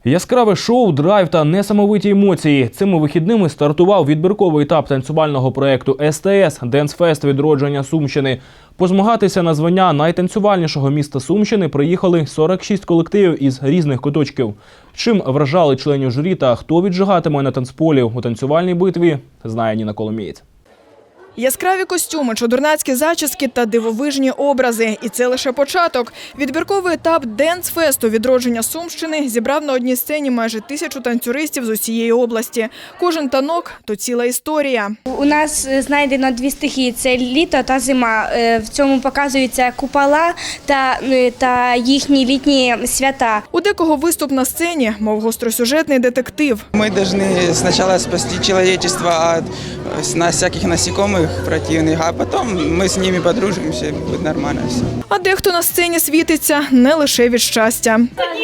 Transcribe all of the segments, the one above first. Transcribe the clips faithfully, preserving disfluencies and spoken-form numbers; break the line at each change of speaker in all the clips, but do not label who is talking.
Яскраве шоу, драйв та несамовиті емоції. Цими вихідними стартував відбірковий етап танцювального проєкту ес те ес «Денсфест. Відродження Сумщини». Позмагатися на звання найтанцювальнішого міста Сумщини приїхали сорок шість колективів із різних куточків. Чим вражали членів журі та хто віджигатиме на танцполі у танцювальній битві, знає Ніна Коломієць.
Яскраві костюми, чудернацькі зачіски та дивовижні образи. І це лише початок. Відбірковий етап «Денсфесту. Відродження Сумщини» зібрав на одній сцені майже тисячу танцюристів з усієї області. Кожен танок – то ціла історія.
У нас знайдено дві стихії – це літо та зима. В цьому показуються купола та, та їхні літні свята.
У декого виступ на сцені, мов гостросюжетний детектив.
Ми повинні спочатку спасти человечество від всяких насекомых противных, а потом ми з ними подружимося і буде нормально все.
А дехто на сцені світиться не лише від щастя.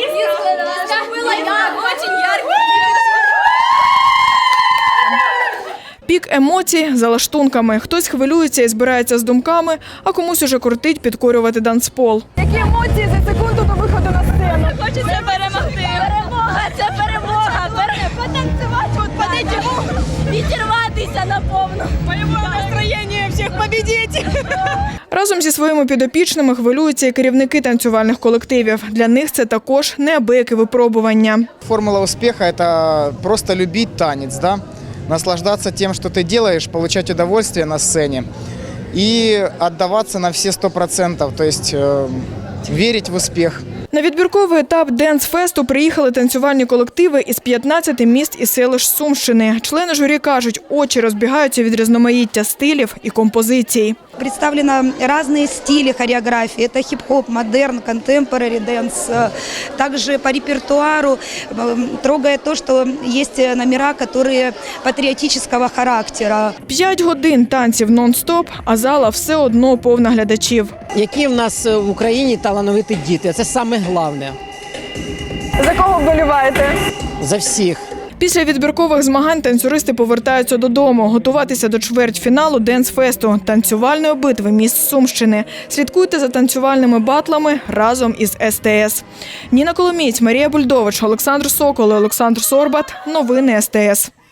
Пік емоцій за лаштунками. Хтось хвилюється і збирається з думками, а комусь уже кортить підкорювати танцпол.
Які емоції за секунду до виходу на сцену?
Хочеться перемогти. Перемога – це перемога. Потанцювати, по-дитячому, відірватися наповну.
Бойове настроєння всіх победити!
Разом зі своїми підопічними хвилюються і керівники танцювальних колективів. Для них це також неабияке випробування.
Формула успеха – это просто любить танец, да? Наслаждаться тем, что ты делаешь, получать удовольствие на сцене и отдаваться на все сто процентов, то есть э, верить в успех.
На відбірковий етап «Денсфесту» приїхали танцювальні колективи із п'ятнадцяти міст і селищ Сумщини. Члени журі кажуть, очі розбігаються від різноманіття стилів і композицій.
Представлены разные стили хореографии. Это хип-хоп, модерн, контемпорари дэнс. Также по репертуару трогает то, что есть номера, которые патриотического характера.
П'ять годин танців нон-стоп, а зала все одно повна глядачів.
Які в нас в Україні талановиті діти. Це саме головне.
За кого вболіваєте?
За всіх.
Після відбіркових змагань танцюристи повертаються додому, готуватися до чвертьфіналу «Денсфесту» – танцювальної битви міст Сумщини. Слідкуйте за танцювальними батлами разом із ес те ес. Ніна Коломієць, Марія Бульдович, Олександр Сокол і Олександр Сорбат. Новини ес те ес.